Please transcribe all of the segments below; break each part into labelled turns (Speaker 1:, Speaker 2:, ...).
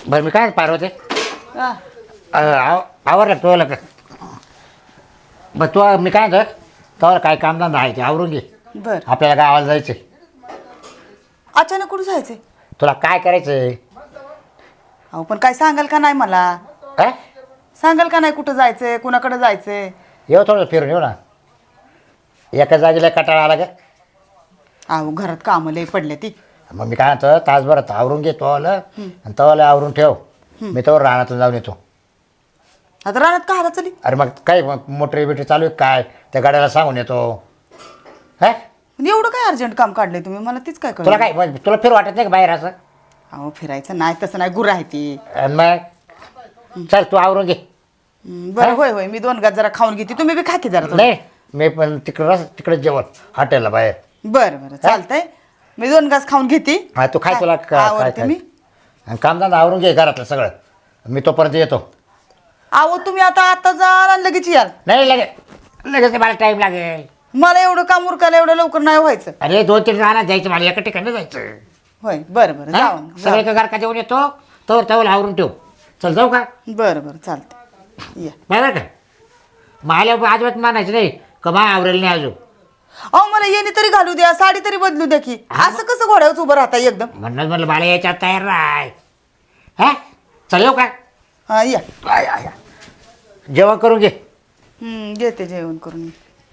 Speaker 1: बरं मी काय पार्वती
Speaker 2: हा.
Speaker 1: आवरलं का तुला का बरं तू मी काय म्हणतो तुला काय कामधंदा आहे ते आवरून घे
Speaker 2: बर
Speaker 1: आपल्याला गावाला जायचं
Speaker 2: अचानक कुठं जायचंय?
Speaker 1: तुला काय करायचं आहे
Speaker 2: अहो पण काय सांगाल का नाही मला?
Speaker 1: काय
Speaker 2: सांगाल का नाही कुठं जायचंय, कुणाकडे जायचंय?
Speaker 1: येऊ थोडं फिरून येऊ ना एका जागेला कटाळा आला का
Speaker 2: अहो घरात कामं लय पडले ती.
Speaker 1: मग मी काय म्हणतो तासभरात आवरून घे तोवाला आणि तवाला आवरून ठेव मी तोवर रानातून जाऊन येतो.
Speaker 2: आता रानात का हारा चली?
Speaker 1: अरे मग काय मग मोटर बिटर चालू आहे काय त्या गाड्याला सांगून येतो हा
Speaker 2: पण एवढं काय अर्जंट काम काढलंय तुम्ही? मला तीच काय
Speaker 1: तुला
Speaker 2: कळलं.
Speaker 1: काय मग तुला फिर वाटत नाही का बाहेर असं
Speaker 2: अहो फिरायचं नाही तसं नाही, गुरं आहे ती.
Speaker 1: आणि मग चल तू आवरून घे
Speaker 2: बरं होय होय मी 2 घास जरा खाऊन घेते, तुम्ही बी खा की जरा थोडं.
Speaker 1: नाही मी पण तिकडे जेवण हॉटेलला बाहेर
Speaker 2: बरं बरं चालतंय, मी 2 घास खाऊन घेते.
Speaker 1: हा तू खाय तुला काय
Speaker 2: आवडते मी.
Speaker 1: आणि कामधंदा आवरून घे घरातलं सगळं मी तोपर्यंत येतो.
Speaker 2: अहो तुम्ही आता जाल आणि लगेच याल.
Speaker 1: नाही लगेच मला टाईम लागेल.
Speaker 2: मला एवढं काम उरकायला एवढं लवकर नाही व्हायचं.
Speaker 1: अरे 2-3 राहणार जायचं मला एका ठिकाणी जायचं
Speaker 2: होय बरं बरं
Speaker 1: हा?
Speaker 2: जाऊ
Speaker 1: सगळे का घरका जेवण येतो तवर आवरून ठेव. चल जाऊ का
Speaker 2: बरं बरं चालतंय या.
Speaker 1: बरोबर का मला अजिबात मानायचं नाही का मा आवरेल नाही अजून
Speaker 2: अहो मला येणे तरी घालू द्या, साडी तरी बदलू द्या की. असं कसं घोड्यावर उभं राहता एकदम?
Speaker 1: म्हणलं मला याच्यात तयार राय हा चल येऊ का
Speaker 2: हा या.
Speaker 1: या. जेवण करून घे.
Speaker 2: घेते जेवण करून.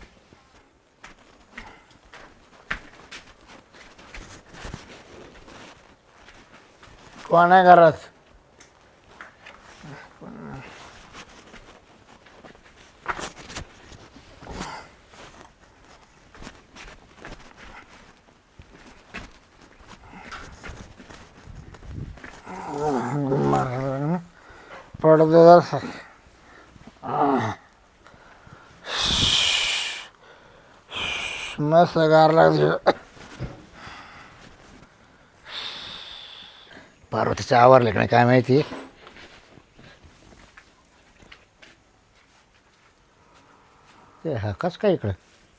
Speaker 1: कोण आहे घरात पडदे मस्त गार लागते. पार्वतीचं आवरलं का नाही काय माहिती. ते हा कस काय इकडं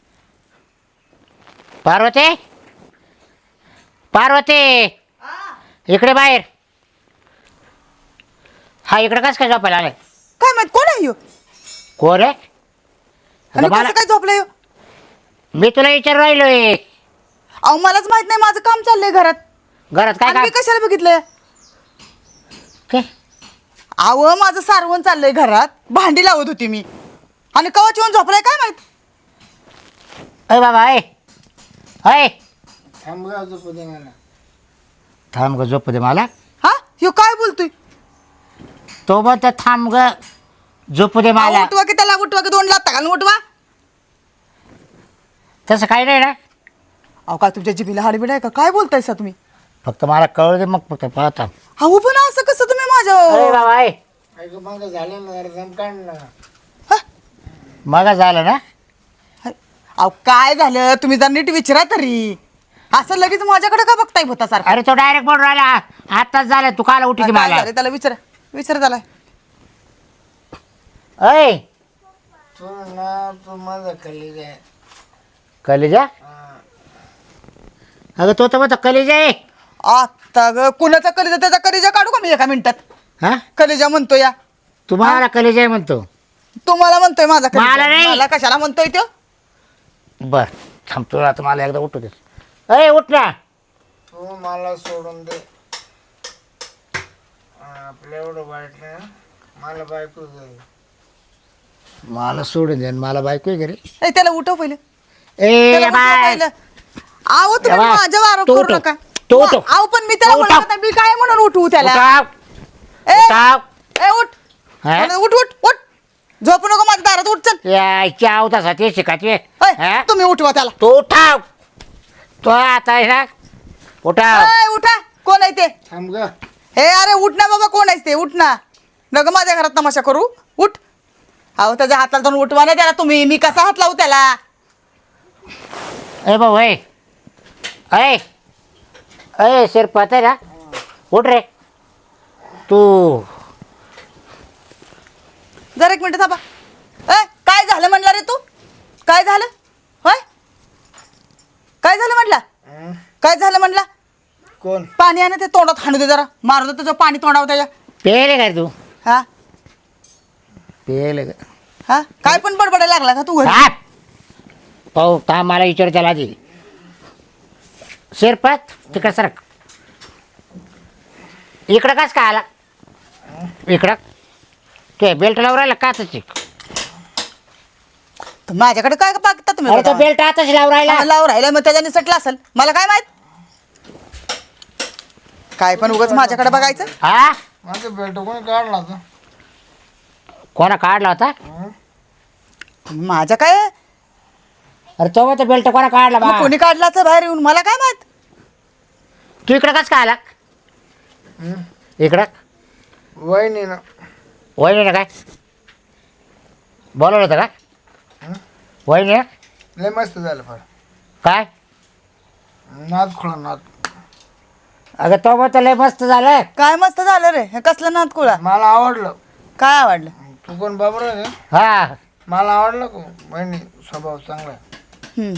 Speaker 1: पार्वती पार्वती इकडे बाहेर. हा इकडे कस काय झोपायला आलाय?
Speaker 2: काय माहित कोण आहे ह्यो?
Speaker 1: कोण आहे?
Speaker 2: आणि कसं काय झोपलंय ह्यो?
Speaker 1: मी तुला विचार राहिलोय.
Speaker 2: अहो मलाच माहित नाही, माझं काम चाललंय घरात.
Speaker 1: घरात काय
Speaker 2: आणि मी
Speaker 1: काय
Speaker 2: कशाला बघितलंय?
Speaker 1: काय?
Speaker 2: अहो माझं सारवण चाललंय घरात, भांडी लावत होती मी आणि कवाच येऊन झोपलाय काय माहित.
Speaker 1: अय बाबा अय अय
Speaker 3: थांब गा झोपू दे मला.
Speaker 1: थांब ग झोप दे मला.
Speaker 2: हा ह्यो काय बोलतोय?
Speaker 1: तो म्हणतो थांब ग झोपू दे मला.
Speaker 2: उठवा की त्याला, उठवा की 2 लाथा घालून उठवा.
Speaker 1: तसं काही नाही ना.
Speaker 2: अहो काय तुमच्या जिभेला हाडबीड आहे का? काय बोलतायसा तुम्ही?
Speaker 1: फक्त मला कळू दे मग फक्त पाहता.
Speaker 2: अहो पण असं कसं तुम्ही
Speaker 1: अरे
Speaker 2: माझ्या
Speaker 1: बाबा अय
Speaker 3: ऐक मग झालं ना जरा दम काढ ना.
Speaker 1: मग झालं ना.
Speaker 2: अहो काय झालं तुम्ही जर नीट विचारा तरी. असं लगेच माझ्याकडे का बघताय भूता सारखं?
Speaker 1: अरे तो डायरेक्ट बोल राहिला आताच झालं तू काला उठी
Speaker 2: काय
Speaker 1: मला.
Speaker 2: झालं त्याला विचारा त्याला.
Speaker 1: अय
Speaker 3: तू ना तू माझा कलीग आहे.
Speaker 1: कलेजा अगं तो तर म्हणतो कलेजा आहे.
Speaker 2: आता ग कुणाचा कलेजा त्याचा कलेजा काढू का मी एका मिनिटात?
Speaker 1: हा
Speaker 2: कलेजा म्हणतो या.
Speaker 1: तुम्हाला कलेजा आहे म्हणतो.
Speaker 2: तुम्हाला म्हणतोय माझा
Speaker 1: मला
Speaker 2: कलेजा.
Speaker 1: नाही.
Speaker 2: मला कशाला म्हणतोय तो?
Speaker 1: बर थांबतो आता मला एकदा उठू दे. अय उठ ना.
Speaker 3: तू मला सोडून दे. आपलं एवढं वाईट नाही हं. मला बायको जाईल.
Speaker 1: मला सोडून दे मला बायको आहे घरी.
Speaker 2: ए, त्याला उठव पहिलं.
Speaker 1: ए
Speaker 2: त्याला उठवा
Speaker 1: बाय
Speaker 2: पहिलं. अहो तुम्ही
Speaker 1: बाय.
Speaker 2: माझ्यावर आरोप
Speaker 1: तो
Speaker 2: करू
Speaker 1: उठव.
Speaker 2: नका.
Speaker 1: तो उठव.
Speaker 2: अहो पण मी त्याला
Speaker 1: तो उठव.
Speaker 2: बोलत नाही. मी काय म्हणून उठवू त्याला?
Speaker 1: उठाव.
Speaker 2: ए,
Speaker 1: उठाव.
Speaker 2: ए, उठ
Speaker 1: हा?
Speaker 2: उठ उठ उठ. झोपू नको माझ्या दारात, उठ चल.
Speaker 1: यायची आवतासाठी शिकायची
Speaker 2: ए, तुम्ही उठवा त्याला.
Speaker 1: तो उठाव तो आता आहे ना उठाव.
Speaker 2: ए, उठा. कोण आहे ते?
Speaker 3: थांब ग.
Speaker 2: हे अरे उठ ना बाबा, कोण आहेस ते? उठ ना. नग माझ्या घरात तमाशा करू. उठ. अहो त्याच्या हाताला धरून उठवा ना त्याला तुम्ही. मी कसा हात लावू त्याला?
Speaker 1: ए भाऊ अय अय अय शिरपत आहे ना उठ रे तू.
Speaker 2: जरा 1 मिनिट थांबा. ए काय झालं म्हणला रे तू? काय झालं? होय काय झालं म्हणला? काय झालं म्हणला?
Speaker 3: कोण?
Speaker 2: पाणी आहे ना ते तोंडात हाणू दे जरा. मारू दे तुझं पाणी तोंडावर त्याच्या.
Speaker 1: पेले काय तू
Speaker 2: हा
Speaker 1: पेले का
Speaker 2: हा काय पण बडबडायला लागला का तू घरी
Speaker 1: हा पाहू का मला विचार त्याला आधी शिरपत तिकडं सरक इकडं कस का आला इकडं ते बेल्ट लावून राहिला का त्याची
Speaker 2: तर माझ्याकडे काय पाहता तुम्ही
Speaker 1: अरे तो
Speaker 2: बघा.
Speaker 1: बेल्ट आताच लावून राहिला
Speaker 2: हा, लावून राहिला मग त्याच्याने सटला असेल मला काय माहित काय पण उगाच माझ्याकडे बघायचं
Speaker 1: हा
Speaker 3: माझं बेल्ट कोणी काढला होता
Speaker 1: कोणा काढला होता
Speaker 2: माझं काय
Speaker 1: अरे तो मग बेल्ट कोणा काढला
Speaker 2: मग
Speaker 1: बा
Speaker 2: कोणी काढला तर बाहेर येऊन मला काय माहित
Speaker 1: तू इकडं कस का आला इकडं
Speaker 3: वहिनी ना
Speaker 1: वहिनी ना काय बोलवलं होतं का वहिनी ना?
Speaker 3: लय मस्त झालं फार
Speaker 1: काय
Speaker 3: नाद खोळा नाद
Speaker 1: अगं तो मग लय मस्त झालं
Speaker 2: काय मस्त झालं रे हे कसलं नात कुळा
Speaker 3: मला आवडलं
Speaker 2: काय आवडलं
Speaker 3: तू कोण बाबर आहे
Speaker 1: हा
Speaker 3: मला आवडलं का वहिनी स्वभाव चांगला आहे.
Speaker 2: हम्म.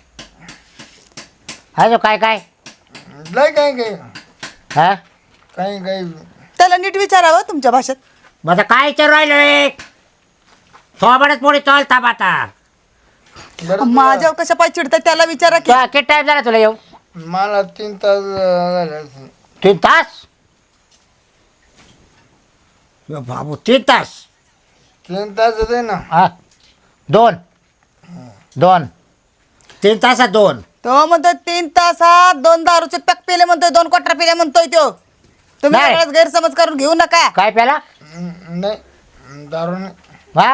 Speaker 1: हा जो काय काय
Speaker 3: लय काही काही
Speaker 1: हा
Speaker 3: काही काही
Speaker 2: त्याला नीट विचारावं तुमच्या भाषेत
Speaker 1: मग आता काय विचारू राहिलो रे थोबडच पोळी चलता आता
Speaker 3: बरं
Speaker 2: माझ्यावर कशा पाय चिडतात त्याला विचारा की
Speaker 1: तुला किती टाइम झाला तुला येऊ
Speaker 3: मला 3 तास झाले असतील.
Speaker 1: 3 तास बाबू 3 तास
Speaker 3: 3 तास होते ना
Speaker 1: हा 2 3 तासात 2
Speaker 2: तो म्हणतोय 3 तासात 2 दारूचे पॅक पिले म्हणतोय 2 क्वार्टर पिले म्हणतोय तो तुम्ही
Speaker 1: नाही.
Speaker 2: सगळ्याच गैरसमज करून घेऊ नका
Speaker 1: काय प्याला
Speaker 3: नाही दारू नाही
Speaker 1: हा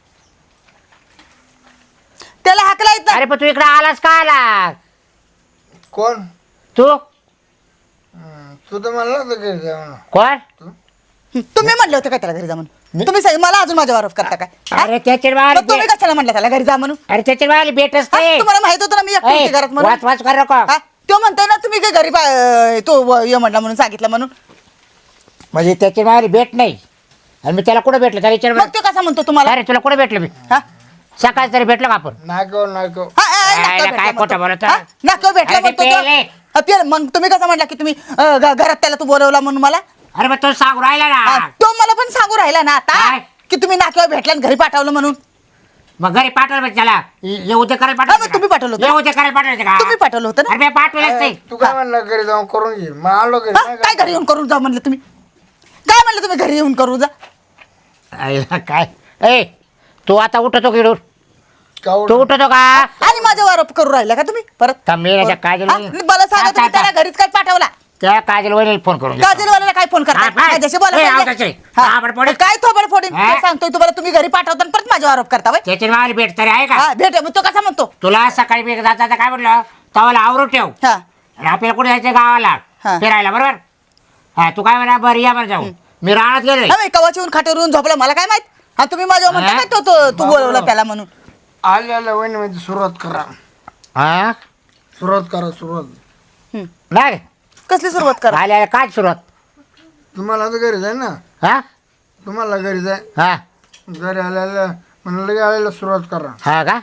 Speaker 2: त्याला हाकला येत
Speaker 1: अरे पण तू इकडे आलास का आला
Speaker 3: कोण
Speaker 1: तू
Speaker 3: तू तर म्हणला होतं घरी जा म्हणून.
Speaker 1: कोण
Speaker 2: तुम्ही म्हणले होते का त्याला घरी जा म्हणून तुम्ही सांगितलं मला अजून माझ्यावर आरोप करता काय हा?
Speaker 1: अरे त्याचे
Speaker 2: मग तुम्ही कशाला म्हणलं त्याला घरी जा म्हणून
Speaker 1: अरे त्याचे वाली भेट
Speaker 2: हा?
Speaker 1: असते
Speaker 2: तुम्हाला माहित होतं ना मी एकटी होती घरात म्हणून
Speaker 1: वाच वाच कर नको
Speaker 2: हा? तो म्हणतोय ना तुम्ही काय घरी तो ये म्हणला म्हणून सांगितलं म्हणून
Speaker 1: म्हणजे त्याची वाली भेट नाही आणि मी त्याला कुठे भेटलो त्याला
Speaker 2: मग
Speaker 1: विचार
Speaker 2: तो कसा म्हणतो तुम्हाला
Speaker 1: अरे तुला कुठे भेटलो मी
Speaker 2: हा?
Speaker 1: सकाळी तरी भेटलो का आपण
Speaker 3: नाको नाको
Speaker 2: हा, नाक्यावर
Speaker 1: काय
Speaker 2: भेटला
Speaker 1: खोटं
Speaker 2: म्हणतो.
Speaker 1: बोलत
Speaker 2: हा? नाक्यावर भेटला
Speaker 1: अरे ते
Speaker 2: म्हणतो तो.
Speaker 1: पेले.
Speaker 2: हा, पेले. मग तुम्ही कसं म्हटला की तुम्ही घरात त्याला तू बोलवला म्हणून मला
Speaker 1: अरे मग तो सांगू राहिला
Speaker 2: हा,
Speaker 1: ना
Speaker 2: तो मला पण सांगू राहिला ना आता
Speaker 1: काय?
Speaker 2: की तुम्ही नाक्यावर भेटला आणि घरी पाठवलं म्हणून
Speaker 1: मग घरी पाठवलं पाहिजे त्याला येऊ दे करायला
Speaker 2: हा, मग तुम्ही पाठवलं होतं.
Speaker 1: येऊ दे करायला पाठवायचं का
Speaker 2: तुम्ही पाठवलं होतं ना
Speaker 1: अरे मी पाठवलंच नाही
Speaker 3: तू काय म्हणला घरी जाऊन करून घे मग आलो घरी
Speaker 2: हा?
Speaker 3: नाही
Speaker 2: काय घरी येऊन करून जा म्हणलं तुम्ही काय म्हणलं तुम्ही घरी येऊन करू जा
Speaker 1: आईला काय ए तू आता उठतो की
Speaker 3: का
Speaker 1: तू उठतो का
Speaker 2: आणि माझ्यावर आरोप करू राहिला का तुम्ही परत
Speaker 1: थांबले त्या काजल
Speaker 2: हा? मला सांगा तुम्ही त्याला घरीच काय पाठवला
Speaker 1: त्या काजल वहिनीला फोन करून देतो.
Speaker 2: काजलवाल्याला काय फोन
Speaker 1: हा,
Speaker 2: करता
Speaker 1: बाय.
Speaker 2: माझ्याशी बोला
Speaker 1: ए,
Speaker 2: पाहिजे.
Speaker 1: आवताचे.
Speaker 2: हा.
Speaker 1: थोबाड फोडीन.
Speaker 2: काय थोबड फोडीन
Speaker 1: हा?
Speaker 2: ते सांगतोय तुम्हाला तुम्ही घरी पाठवता आणि परत माझ्यावर आरोप करता बाई
Speaker 1: त्याची वाली भेट तरी आहे का
Speaker 2: हा भेट मग तो कसा म्हणतो
Speaker 1: तुला सकाळी मी जाता काय म्हटलं तवाला आवरून ठेव
Speaker 2: हा
Speaker 1: आणि आपल्याला कुठे जायचं गावाला
Speaker 2: हा.
Speaker 1: फिरायला बरोबर हा तू काय म्हणा बरं या बरं जाऊ मी राहत गेले
Speaker 2: हा, मी कवाची येऊन खाट्यावर येऊन झोपला मला काय माहित हा तुम्ही माझ्यावर म्हणता
Speaker 1: हा?
Speaker 2: काय तू बोलवला त्याला म्हणून
Speaker 3: आले आल्या वहिनी मध्ये सुरुवात करा
Speaker 1: हा
Speaker 3: सुरुवात करा सुरुवात
Speaker 2: हम्म.
Speaker 1: नाही
Speaker 2: कसली सुरुवात करा
Speaker 1: आल्या काय सुरुवात
Speaker 3: तुम्हाला आता घरी जाय ना
Speaker 1: हा
Speaker 3: तुम्हाला घरी जाय
Speaker 1: हा
Speaker 3: घरी आल्याला म्हणलं लगे आलेला सुरुवात करा
Speaker 1: हा का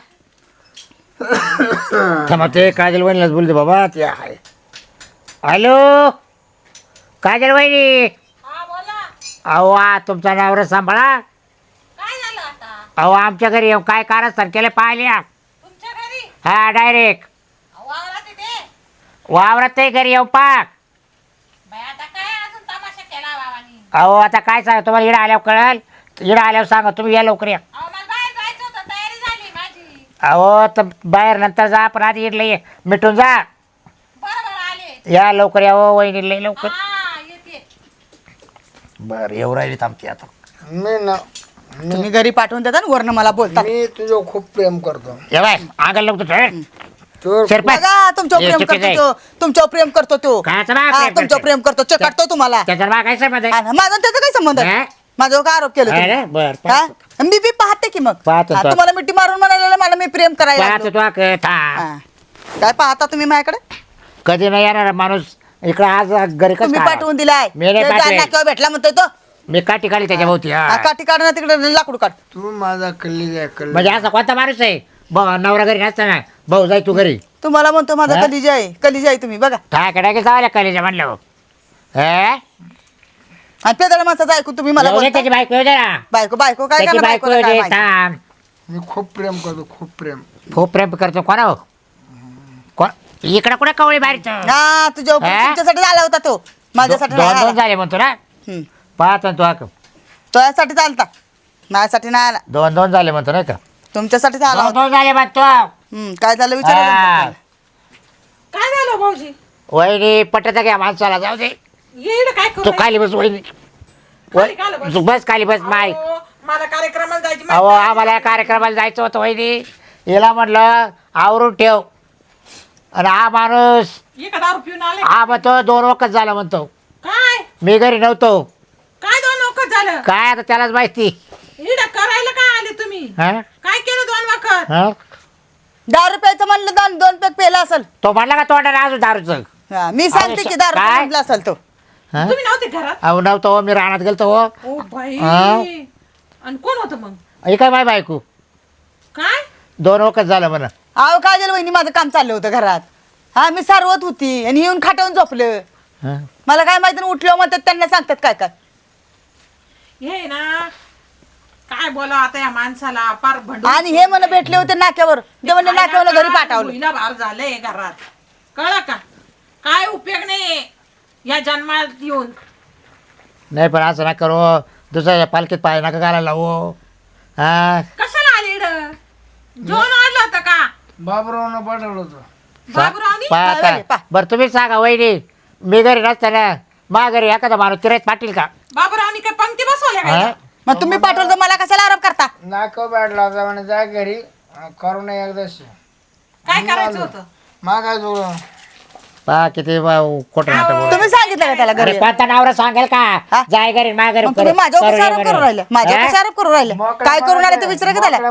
Speaker 1: थांबा ते काजल वहिनीलाच बोलते बाबा ते आहे हॅलो काजल वहिनी अहो तुमचा नवरा सांभाळा अहो आमच्या घरी येऊन काय कारस्थान केलं पाहिल्या हा डायरेक्ट वावरात ते घरी येऊ पाक अहो आता काय सांग तुम्हाला इडं आल्यावर कळल इडं आल्यावर सांगा तुम्ही या लवकर या अहो तर बाहेर नंतर जा पण आधी इडलं ये मिटून जा या लवकर या हो वहिनी लय लवकर बरं येऊ राहिली आमची आता
Speaker 3: मी ना
Speaker 2: तुम्ही घरी पाठवून देता ना वरनं मला बोलतात
Speaker 3: मी तुझं खूप प्रेम करतो
Speaker 1: ये बाय आगल लवकर
Speaker 3: तू
Speaker 1: शिरपाय
Speaker 2: बघा तुमच्यावर प्रेम करतो तो तुमच्यावर प्रेम करतो तो
Speaker 1: कायचं बा
Speaker 2: हा,
Speaker 1: प्रेम
Speaker 2: तुमच्यावर
Speaker 1: करतोय?
Speaker 2: प्रेम करतो चकाटतो तुम्हाला
Speaker 1: त्याच्यात बा काय संबंध
Speaker 2: हा
Speaker 1: आहे
Speaker 2: ना, माझा त्याचा काय संबंध आहे?
Speaker 1: हा?
Speaker 2: माझ्यावर काय आरोप केले तुम्ही?
Speaker 1: अरे, बरं,
Speaker 2: हा? मी बी पाहते की मग
Speaker 1: पाहतो
Speaker 2: हा,
Speaker 1: तो.
Speaker 2: तुम्हाला मिठी मारून म्हणायला मला मी प्रेम करायला
Speaker 1: पाहतो
Speaker 2: लागलो.
Speaker 1: तू था
Speaker 2: हा. काय पाहता तुम्ही माझ्याकडे
Speaker 1: कधी नाही येणार माणूस इकडे आज घरी कसं
Speaker 2: तुम्ही
Speaker 1: काय?
Speaker 2: पाठवून दिलाय
Speaker 1: मी नाही
Speaker 2: ते
Speaker 1: पाठवेल.
Speaker 2: जालना किंवा भेटला म्हणतोय तो
Speaker 1: मी काठी काढली त्याच्या भोवती हा.
Speaker 2: हा, काठी काढ ना तिकडे लाकूड काढ
Speaker 3: तू माझा कल्ली आहे कल्ली
Speaker 1: म्हणजे असा कोणता माणूस आहे नवरा घरी नसताना भाऊ जाय तू घरी
Speaker 2: तुम्हाला म्हणतो माझा
Speaker 1: हा?
Speaker 2: कलिजा आहे तुम्ही बघा
Speaker 1: काय कडा की जावल्या कलेच्या म्हणलं
Speaker 2: आणि पेदळ माणसाचं ऐकू तुम्ही मला
Speaker 1: येऊ दे
Speaker 2: बोलता?
Speaker 1: त्याची बायको येऊ दे ना
Speaker 2: बायको बायको काय
Speaker 1: त्याची
Speaker 2: करणार
Speaker 1: बायको
Speaker 2: बायकोला
Speaker 1: येऊ
Speaker 2: काय
Speaker 1: दे
Speaker 2: माहिती?
Speaker 1: थांब
Speaker 3: मी खूप प्रेम करतो, खूप प्रेम.
Speaker 1: खूप प्रेम करतो कोणा हो कोण इकडं कुठे कवळी बारीच
Speaker 2: हा तुझ्या
Speaker 1: हा?
Speaker 2: तुमच्यासाठी झाला होता तो माझ्यासाठी नाही
Speaker 1: दोन
Speaker 2: आला.
Speaker 1: दोन झाले म्हणतो ना
Speaker 2: हम्म.
Speaker 1: पाहतो ना तू आक
Speaker 2: तो यासाठी चालता माझ्यासाठी नाही आला
Speaker 1: दोन दोन झाले म्हणतो नाही का
Speaker 2: तुमच्यासाठी झाला
Speaker 1: दोन
Speaker 2: होता
Speaker 1: दोन झाले म्हणतो
Speaker 2: काय झालं विचारा
Speaker 1: हा.
Speaker 2: त्यांना.
Speaker 4: काय झालं भाऊजी
Speaker 1: वहिनी पटत घ्या माणसाला जाऊ दे
Speaker 4: येईल काय
Speaker 1: तू
Speaker 4: करू
Speaker 1: खाली बस वहिनी
Speaker 4: खाली काला बस?
Speaker 1: तू बस खाली बस माय
Speaker 4: अहो, मला कार्यक्रमाला जायची
Speaker 1: अहो
Speaker 4: माहिती
Speaker 1: आम्हाला या कार्यक्रमाला जायचं होतं वहिनी हिला म्हटलं आवरून ठेव आणि हा माणूस
Speaker 4: आहे. एका दारू पिऊन आले
Speaker 1: हा म्हणतो 2 वखत झाला म्हणतो
Speaker 4: काय
Speaker 1: मी घरी नव्हतो
Speaker 4: काय 2 वखत झालं
Speaker 1: काय आता त्यालाच माहिती
Speaker 4: इड करायला काय आले तुम्ही
Speaker 1: हा?
Speaker 4: काय केलं 2 वखत
Speaker 1: हा?
Speaker 2: 10 रुपयाचं म्हणलं 2 पॅक पेला असेल
Speaker 1: तो म्हणला का तोंडाने अजून दारूचं
Speaker 2: हा, मी सांगते की 10 रुपये
Speaker 1: काय?
Speaker 2: म्हटलं असेल तो
Speaker 1: हा?
Speaker 4: तुम्ही नव्हते घरात
Speaker 1: अहो नव्हतो हो, मी रानात गेलतो हो
Speaker 4: ओ बाई
Speaker 1: हा?
Speaker 4: आणि कोण होतं मग
Speaker 1: हे काय माय बायको
Speaker 4: काय
Speaker 1: 2 वखत झालं म्हणा
Speaker 2: अहो काजल वहिनी माझं काम चाललं होतं घरात हा मी सारवत होती आणि येऊन खाटावून झोपलं
Speaker 1: हा?
Speaker 2: मला काय माहिती उठलं म्हणतात त्यांना सांगतात काय काय
Speaker 4: हे ना काय बोला आता या माणसाला पार भंडून
Speaker 2: आणि हे मला भेटले होते नाक्यावर ते म्हणले नाक्यावर घरी पाठवलं
Speaker 4: भुईला भार झालंय घरात कळलं का काय उपयोग नाही या जन्मात येऊन
Speaker 1: नाही पण असं ना करू दुसऱ्या पालखीत पाय नका घालायला हो हा
Speaker 4: कशाला आले इड जेवण वाढलं होतं का
Speaker 3: बाबरावनं पाठवलं होतं.
Speaker 4: बाबूरावनी
Speaker 2: पाय.
Speaker 1: बरं तुम्हीच सांगा वहिनी मी घरी नसताना मा घरी एखादा माणूस तिरेत पाटील का
Speaker 4: बाबूरावनी काय पंक्ती बसवल्या
Speaker 1: हा?
Speaker 4: काय
Speaker 2: मग तुम्ही पाठवलं तर मला कशाला आरोप करता
Speaker 3: नाका बॅटला होता म्हणे जा घरी करू नये एकदाशी.
Speaker 4: काय करायचं होतं
Speaker 3: मागाय जुळून
Speaker 1: पा किती खोटं नाटक बोलतो.
Speaker 2: तुम्ही सांगितलं का त्याला
Speaker 1: अरे
Speaker 2: घरी
Speaker 1: कोणता नवरा सांगेल का
Speaker 2: हा?
Speaker 1: जाय घरी मा घरी
Speaker 2: मग तुम्ही माझ्यावर कशा आरोप करू राहिले माझ्यावर
Speaker 1: हा?
Speaker 2: कशा आरोप करू राहिले काय करून आले ते विचारा की त्याला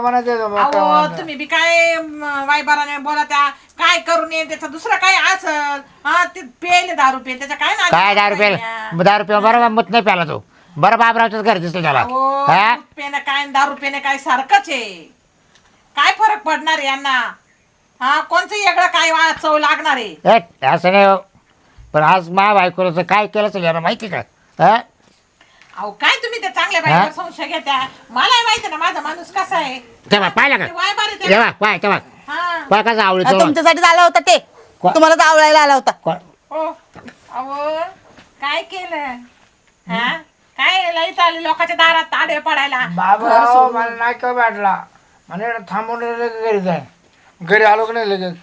Speaker 4: अहो तुम्ही बी काय वायबाराने बोला त्या काय करू नये त्याचं दुसरं काय असं हा ते पेले 10 रुपये त्याच्या काय नादी
Speaker 1: काय 10 रुपये
Speaker 4: लागल्या?
Speaker 1: 10 रुपये बरोबर मत नाही प्याला तो बरं बाबरावच घर दिसलं त्याला
Speaker 4: अहो,
Speaker 1: हा?
Speaker 4: दूध पेनं काय 10 रुपयाने काय सारखंच आहे काय फरक पडणार आहे यांना हा कोणचं वेगळं काय चव लागणार आहे
Speaker 1: ए, असं नाही हो. पण आज मा बायकोचं काय केलं असेल याला माहिती का हा?
Speaker 4: अहो काय तुम्ही त्या चांगल्या बाईवर संशय घेत्या मला माहिती ना माझा माणूस कसा आहे
Speaker 1: तेव्हा पाहिलं का
Speaker 4: ते वायबार आहे
Speaker 1: तेव्हा पाय तेव्हा
Speaker 4: हा
Speaker 1: पाय कसं आवडत
Speaker 2: तुमच्यासाठी झाला होता ते तुम्हाला तर आवळायला आला होता
Speaker 4: हो अहो काय केलं हा काय लईत आले लोकांच्या दारात ताडे पडायला
Speaker 3: बाबराव मला नाका बॅटला म्हणे थांबून घरी जाय घरी आलो की नाही लगेच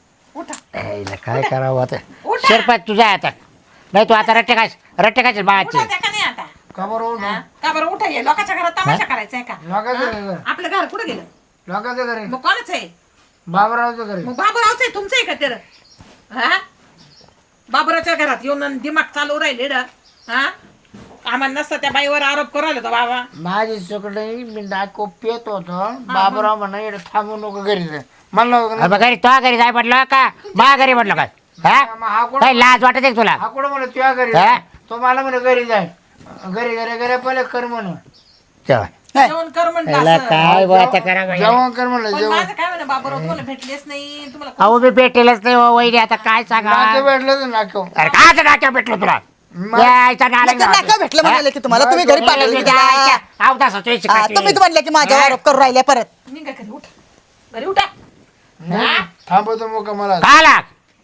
Speaker 4: उठा
Speaker 1: यायला काय करावं आता
Speaker 4: उठा.
Speaker 1: शिरपात तुझा आता नाही तू आता रट्टे काय
Speaker 4: उठा
Speaker 1: बाळाचे
Speaker 4: त्या का नाही आता
Speaker 3: का बरं
Speaker 4: हा? का बरं उठा ये लोकांच्या घरात तमाशा करायचा आहे का
Speaker 3: लोकांचं घर
Speaker 4: आपलं घर कुठं गेलं
Speaker 3: लोकांचं घरी
Speaker 4: मग कोणाच आहे
Speaker 3: बाबरावचं घरी
Speaker 4: मग बाबूरावच आहे तुमचं आहे का ते हा बाबूरावच्या घरात येऊन दिमाग चालू राहिले हा आम्हाला नसतं त्या बाईवर आरोप करू राहिला तो बाबा
Speaker 3: माझी सुकडे मी नाको पेत होतो बाबराव म्हणा इकडे थांबू नको घरी जाय म्हणलं
Speaker 1: अरे मग घरी तो घरी जाय म्हटलं का मा घरी म्हटलं काय हा
Speaker 3: मग हा कोण
Speaker 1: काय लाज वाटत आहे का तुला
Speaker 3: हा कोण म्हणलं तुझ्या घरी
Speaker 1: हा?
Speaker 3: जाय. तो मला म्हणे घरी जाय घरी घरी घरी पहिले कर म्हणून
Speaker 1: तेव्हा
Speaker 4: जेवण कर म्हणलं
Speaker 1: याला
Speaker 4: असं.
Speaker 1: काय बरं आता करा बाई.
Speaker 3: जेवण कर म्हणलं
Speaker 4: पण
Speaker 3: जेवण
Speaker 4: माझं काय म्हणा बाबूराव तुम्हाला भेटलेच नाही तुम्हाला
Speaker 1: अहो मी भेटेलच नाही हो वहिनी आता काय सांगा
Speaker 3: नाके भेटलं तर नाको
Speaker 1: अरे काय नाक्या भेटलो तुला यायचा नालायक
Speaker 2: नाका
Speaker 1: नाका.
Speaker 2: भेटलं म्हणाले की तुम्हाला तुम्ही घरी पाठवलं की त्याला?
Speaker 1: यायच्या अवतासाचं यायची
Speaker 2: हा,
Speaker 1: काठी.
Speaker 2: तुम्हीच म्हणले की माझ्यावर
Speaker 1: हा?
Speaker 2: आरोप करू राहिले परत
Speaker 4: निघा घरी उठा घरी उठा
Speaker 3: थांबवतो मग मला
Speaker 1: का आला?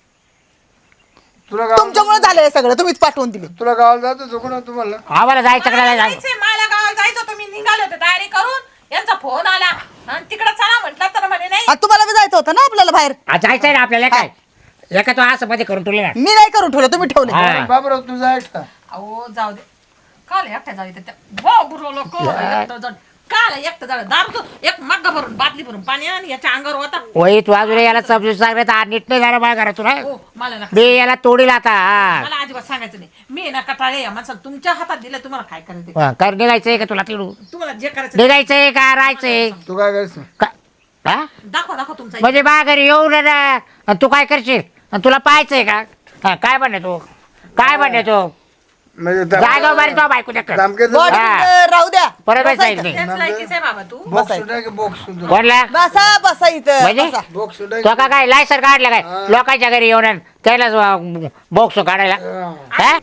Speaker 3: तुला गाव
Speaker 2: तुमच्यामुळे झालं हे सगळं तुम्हीच पाठवून दिले
Speaker 3: तुला गावाला जातो चुकून तुम्हाला
Speaker 1: आम्हाला जायचं कडे
Speaker 4: जायचंय मला गावाला जायचं तुम्ही निघाले होते तयारी करून यांचा फोन आला आणि तिकडे चला म्हटलं तर म्हणे नाही
Speaker 2: आणि तुम्हाला बी जायचं होतं ना आपल्याला बाहेर
Speaker 1: जायचंय ना आपल्याला काय एका तो असं मध्ये करून तुला
Speaker 2: मी नाही करून ठेवलं तुम्ही ठेवले
Speaker 1: हा.
Speaker 3: बाबराव तू जायच का
Speaker 4: अहो जाऊ दे काल एकट्या जाऊ दे बाबूराव लोक काल एकटं जाऊ दारू एक मग्गा भरून बाटली भरून पाणी आणि याच्या अंगावर होता
Speaker 1: वही तू अजून याला समजून सांगण्यात आज नीट नाही झालं माझ्या घरातून हा?
Speaker 4: हो मला नका
Speaker 1: मी याला तोडील आता हा.
Speaker 4: मला अजिबात सांगायचं नाही मी ना कटाळे या माणसाला तुमच्या हातात दिलं तुम्हाला काय करायचं ते.
Speaker 1: हा, कर निघायचंय का तुला तिडू
Speaker 4: तुम्हाला जे करायचं ते.
Speaker 1: निघायचंय का राहायचंय
Speaker 3: तू काय करशील
Speaker 1: हा?
Speaker 4: दाखवा तुमचा
Speaker 1: म्हणजे बा घरी येऊ ना आणि तू काय करशील आणि तुला पाहायचंय का हा, काय म्हणणे तू काय म्हणणे तू
Speaker 3: म्हणजे
Speaker 1: जागा मारी तो बायको त्या
Speaker 2: बॉडी
Speaker 1: हा.
Speaker 2: राहू द्या
Speaker 1: परत
Speaker 2: बसा
Speaker 1: जायचं
Speaker 2: इथं.
Speaker 1: नाही
Speaker 4: तेच लायकीच आहे बाबा तू
Speaker 3: बॉक्स सुद्धा की बॉक्स सुद्धा
Speaker 1: कोणला
Speaker 2: बसा बसा इथं
Speaker 1: म्हणजे?
Speaker 2: बसा.
Speaker 3: बॉक्स सुद्धा
Speaker 1: तो का काय लायसन काढलं काय लोकांच्या घरी येऊन त्याला बॉक्स काढायला हा?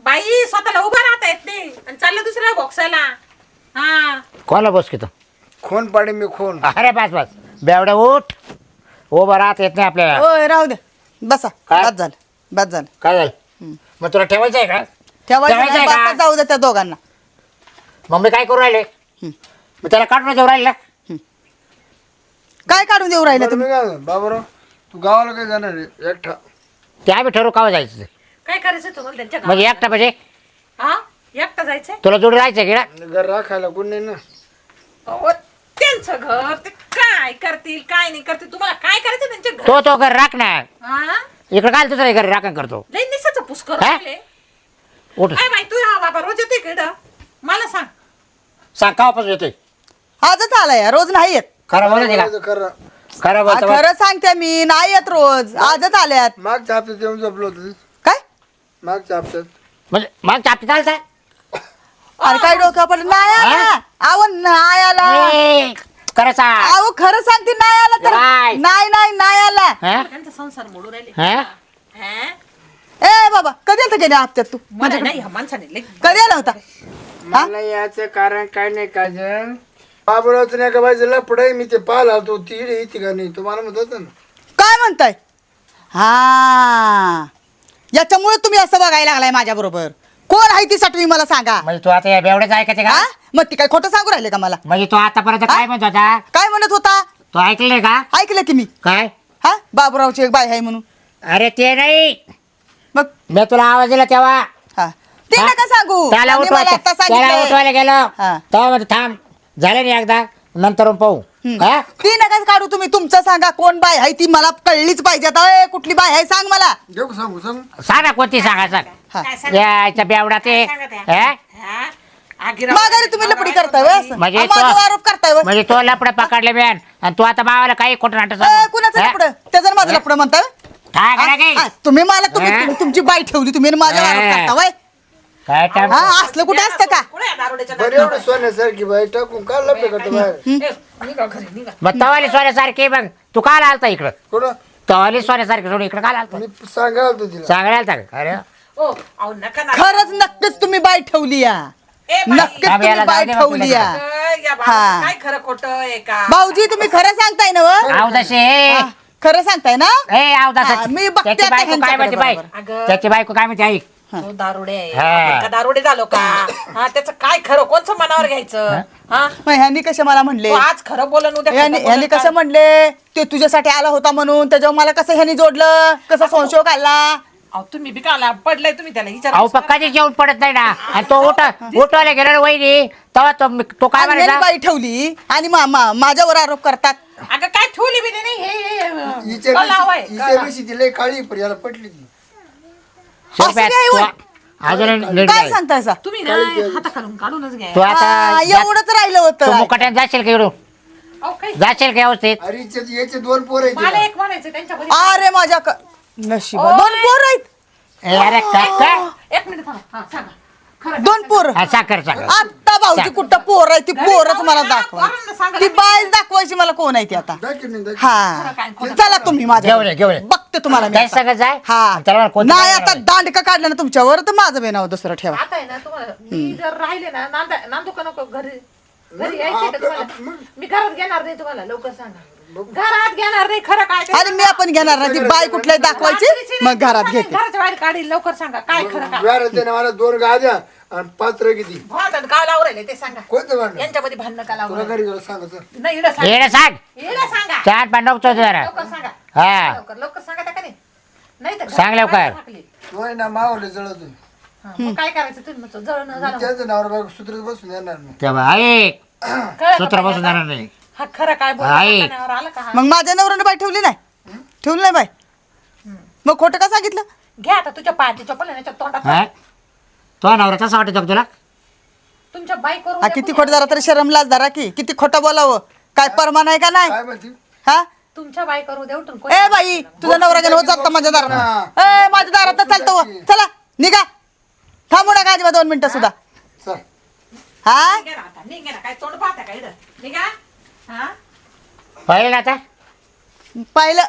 Speaker 4: बाई स्वतःला उभं राहता येत नाही आणि चाललं दुसऱ्या बॉक्साला. हा
Speaker 1: कोणाला बस की तू
Speaker 5: खून पाडी मी खून.
Speaker 1: अरे बस बस बेवड्या उठ उभं राहत येत नाही आपल्याला.
Speaker 2: ओय राहू दे बसा.
Speaker 1: काय?
Speaker 2: बस झालं बस झालं.
Speaker 1: काय झालं मग तुला ठेवायचं आहे का?
Speaker 2: ठेवायचं
Speaker 1: ठेवायचं
Speaker 2: नाही,
Speaker 1: आहे का?
Speaker 2: बसा जाऊ दे त्या दोघांना.
Speaker 1: मग मी काय करू राहिले मी त्याला काढून देऊ राहिले ना.
Speaker 2: काय काढून देऊ राहिले
Speaker 5: बरं,
Speaker 2: तुम्ही?
Speaker 5: मी काय म्हणतो, बाबूराव तू गावाला काय जाणार आहे एकटा?
Speaker 1: ते आम्ही ठरवू कावा जायचं ते.
Speaker 4: काय करायचं तुम्हाला त्यांच्या
Speaker 1: म्हणजे एकटा म्हणजे
Speaker 4: हा एकटा जायचंय.
Speaker 1: तुला जोडी राहायचं की ना?
Speaker 5: घर राखायला कोण नाही ना.
Speaker 4: अहो, त्यांचं घर ते काय करतील काय नाही करतील तुम्हाला काय करायचं त्यांच्या घर.
Speaker 1: तो घर राख ना.
Speaker 4: हा
Speaker 1: इकडे काय तुझं घर राखण करतो.
Speaker 4: लई निसाचं पुष्कर
Speaker 1: हा?
Speaker 4: राहिले.
Speaker 1: उठ
Speaker 4: काय बाई तू हा बाबा रोज येते इकडं मला सांग.
Speaker 1: सांग कावापासून येतोय
Speaker 2: आजच आलाय रोज नाही येत.
Speaker 1: खरं बोलायचं का?
Speaker 5: खरं
Speaker 1: खरं
Speaker 2: आ,
Speaker 1: बोलतो
Speaker 2: खरं सांगते मी नाही येत रोज आजच आल्यात.
Speaker 5: मागच्या हप्त्यात येऊन झोपलो होतो.
Speaker 2: काय
Speaker 5: मागच्या हप्त्यात
Speaker 1: म्हणजे मग चापटी चालता
Speaker 2: अरे काय डोक्या पडलं नाही आला. अहो नाही आला.
Speaker 1: खरं सांग.
Speaker 2: अहो खरं सांगते नाही आला तर
Speaker 1: नाही.
Speaker 2: नाही नाही नाही आला.
Speaker 1: हा?
Speaker 4: त्यांचा संसार मोडू राहिले.
Speaker 1: हा?
Speaker 4: हा?
Speaker 2: ए बाबा कधी आलता गेल्या हप्त्यात तू?
Speaker 4: मला नाही ह्या माणसाने लई
Speaker 2: कधी आला होता?
Speaker 5: मला याचं कारण काय नाही काजल. बाबूरावचं नाही का बायचं लपडं मी ते पाहिला तो ती येते का नाही तो मला म्हणत होता ना.
Speaker 2: काय म्हणताय? हा याच्यामुळे तुम्ही असं बघायला लागलाय माझ्या बरोबर. कोण आहे ती तुम्ही मला सांगा.
Speaker 1: म्हणजे तू आता या बेवड्याच ऐकायचे का?
Speaker 2: हा मग ती काय खोटं सांगू राहिले का मला?
Speaker 1: म्हणजे तू आतापर्यंत काय म्हणत होता?
Speaker 2: काय म्हणत होता?
Speaker 1: तू ऐकले का?
Speaker 2: ऐकलं की मी.
Speaker 1: काय?
Speaker 2: हा बाबूरावची एक बाई आहे म्हणून.
Speaker 1: अरे ते नाही
Speaker 2: मग
Speaker 1: मी तुला आवाज दिला तेव्हा
Speaker 2: हा ते
Speaker 1: हा?
Speaker 2: नका सांगू.
Speaker 1: त्याला
Speaker 2: त्यांनी मला आता
Speaker 1: त्याला
Speaker 2: सांगितलंय.
Speaker 1: उठवायला गेलो
Speaker 2: हा.
Speaker 1: तेव्हा म्हणजे थांब झालं नाही एकदा नंतर पाहू. हा?
Speaker 2: ती नका काढू तुम्ही. तुमचं सांगा कोण बाय आहे ती मला कळलीच पाहिजे आता. ए, कुठली बाय आहे सांग मला.
Speaker 5: घेऊ का सांगू सांगू.
Speaker 1: सांग ना कोणती सांगा सांग.
Speaker 2: हा.
Speaker 4: काय सांग-
Speaker 1: याच्या बेवडा ते
Speaker 4: काय सांगत
Speaker 1: हा?
Speaker 4: हा? आगिराव-
Speaker 2: माघारी तुम्ही लपडी करताय व्हय असं?
Speaker 1: म्हणजे
Speaker 2: माझ्यावर
Speaker 1: तो-
Speaker 2: आरोप करताय व्हय?
Speaker 1: म्हणजे तो लपडे पकडले मॅन आणि तू आता मावाला काही खोटं नाटक
Speaker 2: ए, कुणाचं लपड? त्याचं माझं लपड म्हणताय व्हय?
Speaker 1: काय करा की?
Speaker 2: हा, तुम्ही मला तुम्ही
Speaker 1: हा?
Speaker 2: तुम्ही- तुमची बाई ठेवली तुम्ही आणि माझ्यावर आरोप
Speaker 1: हा.
Speaker 2: करता व्हय?
Speaker 1: काय टाइम
Speaker 2: हा असलं कुठे असतं का?
Speaker 4: कुठे आहे दारुड्याच्या
Speaker 5: बरं एवढं सोन्यासारखी बाई टाकून का लपडे करतो बाहेर?
Speaker 4: ए, निघा घरी निघा.
Speaker 1: मग तवाली सोन्यासारखी बघ तू काल आलता इकडं
Speaker 5: कुठं
Speaker 1: तवाली सोन्यासारखी सोडून इकडं काल आलता
Speaker 5: मी सांगायला होतो तिला.
Speaker 1: सांगायला आलता का? अरे
Speaker 4: ओ अहो नका ना.
Speaker 2: खरंच नक्कीच तुम्ही बाई ठेवली या.
Speaker 4: ए, बाई,
Speaker 2: नक्कीच
Speaker 1: आम्ही याला
Speaker 2: तुम्ही बाई
Speaker 1: जाऊ दे मग
Speaker 2: ठेवली
Speaker 1: तुला.
Speaker 2: या.
Speaker 4: या
Speaker 2: हा.
Speaker 4: बाळाचं काय खरं खोटं आहे का?
Speaker 2: भाऊजी तुम्ही खरं सांगताय ना व?
Speaker 1: आव तसे
Speaker 2: खरं सांगताय ना?
Speaker 1: ए आव
Speaker 2: हा,
Speaker 1: तसं
Speaker 2: मी बघते
Speaker 1: त्याची
Speaker 2: आता
Speaker 1: बायको काय म्हणते बाई
Speaker 2: ह्यांच्याकडे
Speaker 4: अगं.
Speaker 1: त्याची बायको काय म्हणते ऐक
Speaker 4: तो दारुडे आहे.
Speaker 1: हा.
Speaker 4: आपण का दारुडे झालो का? हा त्याचं काय खरं कोणचं मनावर घ्यायचं? हा
Speaker 2: मग ह्यांनी कसे मला म्हणले?
Speaker 4: तो आज खरं बोलन उद्या खोटं बोलन
Speaker 2: ह्यांनी
Speaker 4: का?
Speaker 2: कसं म्हणले ते तुझ्यासाठी आला होता म्हणून त्याच्यावर मला कसं ह्यांनी जोडलं कसं संशय घालला?
Speaker 4: अहो तुम्ही बी काला पडलाय तुम्ही त्याला
Speaker 1: अहो
Speaker 4: विचारा.
Speaker 1: पक्काची जेवण पडत नाही ना आणि तो उठवायला गेला ना वहिनी तेव्हा तो काय
Speaker 2: आणि ह्यांनी
Speaker 1: म्हणायचा
Speaker 2: बाई ठेवली आणि माझ्यावर आरोप करतात.
Speaker 4: अगं काय ठेवली बी नाही हे
Speaker 5: हिच्या
Speaker 4: कलाव आहे,
Speaker 5: पेशी-
Speaker 4: कला.
Speaker 5: हिच्या पेशी ती लय काळी पण याला पटली ती.
Speaker 2: असं नाही होय.
Speaker 1: अजून नीट
Speaker 2: काय
Speaker 1: जाय.
Speaker 2: सांगताय सा?
Speaker 4: तुम्ही ना हाता खालून काढूनच घ्या.
Speaker 1: तू आता
Speaker 2: एवढंच राहिलं
Speaker 1: तू
Speaker 2: होतं.
Speaker 1: मुकाट्यात जाशील का इकडून
Speaker 4: अहो काय
Speaker 1: जाशील का व्यवस्थित
Speaker 5: अरे याचे दोन पोर आहेत
Speaker 4: मला
Speaker 5: तिला.
Speaker 4: एक म्हणायचं त्यांच्या
Speaker 2: अरे माझ्या नशिबा दोन पोर आहेत.
Speaker 1: ए, अरे काय
Speaker 4: एक मिनिट थांबा. हा सांगा खरं
Speaker 2: दोन पोर.
Speaker 1: हा, साखर साखर
Speaker 2: आता भाऊजी कुठं पोर आहे ती पोरच मला
Speaker 4: पोरांना
Speaker 2: दाखवा.
Speaker 4: सांगा
Speaker 2: ती बाय दाखवायची मला कोण आहे ती आता.
Speaker 5: दाखव नाही, दाखव.
Speaker 2: हा चला तुम्ही माझ्या
Speaker 1: घेऊन ये, घेऊन ये.
Speaker 2: बघते तुम्हाला मी
Speaker 1: काय
Speaker 2: आता.
Speaker 1: सांगत जाय
Speaker 2: हा
Speaker 1: त्याला म्हणा कोणतं
Speaker 2: नाही
Speaker 1: काय
Speaker 2: आता दांडका काढलं ना तुमच्यावर तर माझं बेनाव दुसरं ठेवा.
Speaker 4: आता आहे ना तुम्हाला मी जर राहिले ना नांदू का नको घरी घरी यायचे का तुम्हाला? मी घरात घेणार नाही तुम्हाला लवकर सांगा. घरात घेणार नाही खरं काय ते
Speaker 2: आणि मी आपण घेणार ना ती बाय कुठल्या दाखवायची मग घरात घेते.
Speaker 4: घराच्या बाहेर काढील लवकर सांगा काय खरं काय
Speaker 5: व्यार त्याने मला 2 गाद्या आणि 5 किती
Speaker 4: भांडण का लावून राहिले ते सांगा.
Speaker 5: कोणतं भांडण
Speaker 4: यांच्यामध्ये भांडण का लावून
Speaker 5: तुला
Speaker 4: राहिले?
Speaker 5: घरी गेलं सांगायचं.
Speaker 4: नाही इकडं सांगा.
Speaker 1: येणं सांग
Speaker 4: इकडं सांगा
Speaker 1: चार पांडव जरा
Speaker 4: लवकर सांगा
Speaker 1: हा
Speaker 4: लवकर लवकर सांगा त्या का नाही? नाही तर
Speaker 1: सांग लवकर.
Speaker 4: घरात टाकली.
Speaker 5: तो आहे ना मावले जळतो.
Speaker 4: हा, मग काय करायचं तुम्ही म्हणतो जळणं झालं
Speaker 5: त्याचं नावर बायको सूत्रात बसून येणार नाही.
Speaker 1: तेव्हा ऐक
Speaker 4: कळलं का
Speaker 1: सूत्र
Speaker 4: बाई
Speaker 1: बसून
Speaker 4: आता?
Speaker 1: जाणार नाही
Speaker 4: हा खरं काय
Speaker 1: आई.
Speaker 4: बोलण्यावर आलं का हा?
Speaker 2: मग माझ्या नवऱ्याने बाय ठेवली नाही ठेवली नाही बाय मग खोटं का सांगितलं?
Speaker 4: घ्या आता तुझ्या पायाची चप्पल आहे ना, तोंडात
Speaker 1: हा तो नवरा तसा वाटत का तुला
Speaker 4: तुमच्या बाईकवर
Speaker 2: हा किती खोट जरा तरी शरम लाज धरा की किती खोटं बोलावं काय परमान आहे का नाही?
Speaker 5: काय म्हणते
Speaker 2: हा
Speaker 4: तुमच्या बाईकवर उद्या उठून
Speaker 2: ए बाई तुझा नवरा गेला होत जाता माझ्या दारात. ए माझ्या दारात चालतो व. चला निघा थांबू नका अजिबात 2 मिनिटं सुद्धा.
Speaker 5: चल
Speaker 2: हा
Speaker 4: निघा ना आता निघा ना काय तोंड पाहता का इकडं निघा हा
Speaker 1: पाहिलं ना आता
Speaker 2: पाहिलं.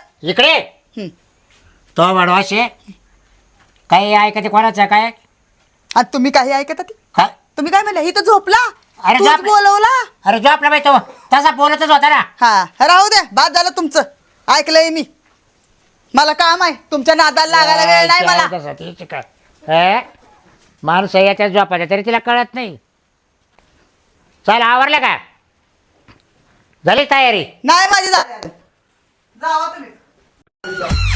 Speaker 2: आणि तुम्ही काही ऐकत ती
Speaker 1: काय
Speaker 2: तुम्ही काय म्हणले इथं झोपला
Speaker 1: अरे
Speaker 2: तूच
Speaker 1: झोप-
Speaker 2: बोलवला
Speaker 1: अरे जो आपला बाई तो तसा बोलतच होता ना.
Speaker 2: हा राहू द्या बाद झालं तुमचं ऐकलंय मी मला काम आहे तुमच्या नादाला लागायला वेळ नाही मला
Speaker 1: तसा तिची काय हे? माणूस आहे याच्या झोपायचा तरी तिला कळत नाही. चल आवरलं का झाली तयारी.
Speaker 2: नाही माझी जावा तुम्ही